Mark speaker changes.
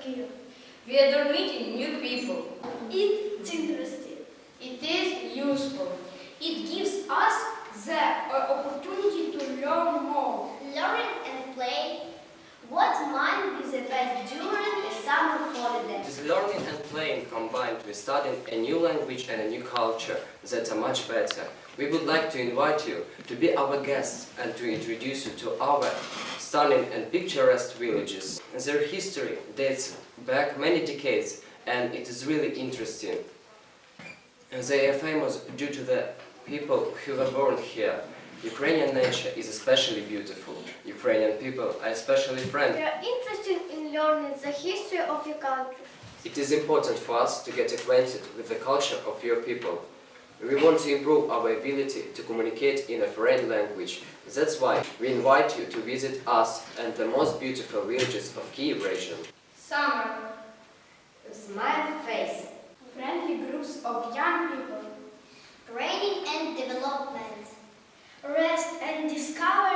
Speaker 1: here.
Speaker 2: We adore meeting new people.
Speaker 1: It's interesting.
Speaker 2: It is useful.
Speaker 1: It gives us the opportunity to learn more.
Speaker 3: Learn and play. What might be the best during a summer holiday?
Speaker 4: It is learning and playing combined with studying a new language and a new culture that are much better. We would like to invite you to be our guests and to introduce you to our stunning and picturesque villages. Their history dates back many decades and it is really interesting. They are famous due to the people who were born here. Ukrainian nature is especially beautiful. Ukrainian people are especially
Speaker 3: We
Speaker 4: friendly.
Speaker 3: are interested in learning the history of your country.
Speaker 4: It is important for us to get acquainted with the culture of your people. We want to improve our ability to communicate in a foreign language. That's why we invite you to visit us and the most beautiful villages of Kyiv region.
Speaker 2: Summer. Smile face.
Speaker 1: Friendly groups of young people.
Speaker 3: Training and development.
Speaker 1: Rest and discover